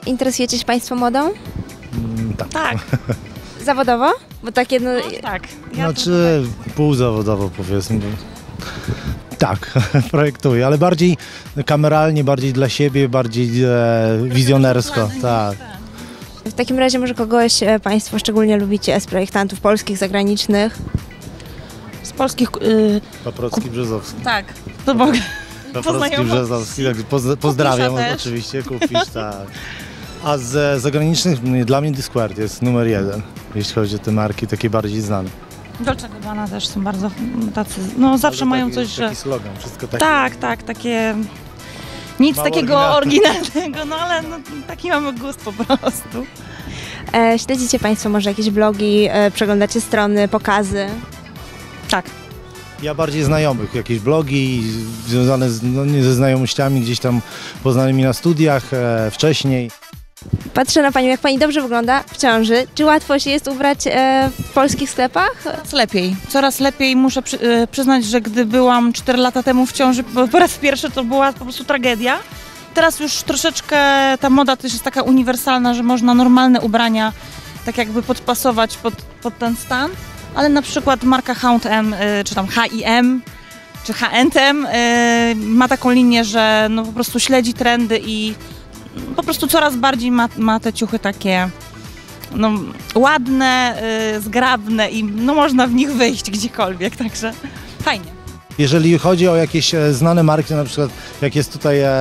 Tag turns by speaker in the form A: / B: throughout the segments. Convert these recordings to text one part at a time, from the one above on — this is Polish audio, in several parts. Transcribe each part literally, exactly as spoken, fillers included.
A: Interesujecie się Państwo modą?
B: Mm, tak.
C: Tak.
A: Zawodowo? Bo takie no...
C: No, tak. Ja
B: Znaczy półzawodowo powiedzmy. Tak, projektuję, ale bardziej kameralnie, bardziej dla siebie, bardziej e, wizjonersko. Tak.
A: W takim razie może kogoś e, Państwo szczególnie lubicie z projektantów polskich, zagranicznych?
C: z polskich... Yy,
B: Paprocki, Brzezowski.
C: tak, to mogę.
B: Paprocki,
C: Poznajomo-
B: Brzezowski, tak, poz, pozdrawiam
C: Kupisza też.
B: oczywiście, kupisz, tak. A z zagranicznych mnie- dla mnie Discord jest numer jeden, jeśli chodzi o te marki takie bardziej znane.
C: Dolce Gabbana też są bardzo tacy, no zawsze
B: Ale
C: mają
B: taki,
C: coś, że...
B: taki slogan, wszystko takie.
C: Tak, tak, takie... Nic
B: Mało
C: takiego
B: oryginalne.
C: oryginalnego, no ale no, taki mamy gust po prostu.
A: E, śledzicie Państwo może jakieś blogi, e, przeglądacie strony, pokazy?
C: Tak.
B: Ja bardziej znajomych, jakieś blogi związane z, no, nie ze znajomościami gdzieś tam poznanymi na studiach e, wcześniej.
A: Patrzę na Panią, jak Pani dobrze wygląda w ciąży. Czy łatwo się jest ubrać e, w polskich sklepach?
C: Coraz lepiej, coraz lepiej. Muszę przy, y, przyznać, że gdy byłam cztery lata temu w ciąży, po, po raz pierwszy to była po prostu tragedia. Teraz już troszeczkę ta moda też jest taka uniwersalna, że można normalne ubrania tak jakby podpasować pod, pod ten stan, ale na przykład marka H and M, y, czy tam H i M, czy H and M y, ma taką linię, że no po prostu śledzi trendy i po prostu coraz bardziej ma, ma te ciuchy takie no, ładne, y, zgrabne i no, można w nich wyjść gdziekolwiek, także fajnie.
B: Jeżeli chodzi o jakieś e, znane marki, na przykład jak jest tutaj e,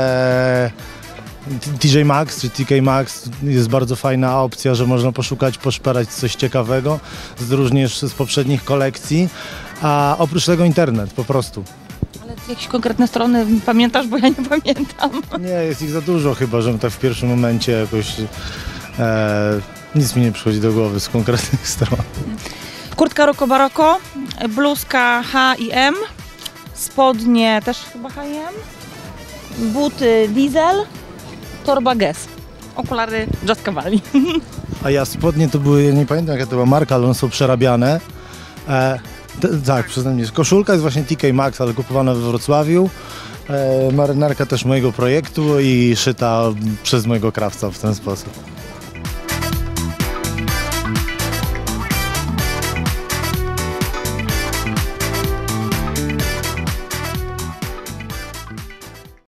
B: T J Maxx czy T K Maxx, jest bardzo fajna opcja, że można poszukać, poszperać coś ciekawego, z, również z poprzednich kolekcji, a oprócz tego internet po prostu.
C: Ale jakieś konkretne strony pamiętasz, bo ja nie pamiętam.
B: Nie, jest ich za dużo chyba, żebym tak w pierwszym momencie jakoś e, nic mi nie przychodzi do głowy z konkretnych stron.
C: Kurtka Rocco Barocco, bluzka H i M, spodnie też chyba H i M, buty Diesel, torba Guess, okulary Just Cavalli.
B: A ja spodnie to były, ja nie pamiętam jaka to była marka, ale one są przerabiane. E, t, tak, przyznam się. Koszulka jest właśnie T K Maxx, ale kupowana we Wrocławiu. E, marynarka też mojego projektu i szyta przez mojego krawca w ten sposób.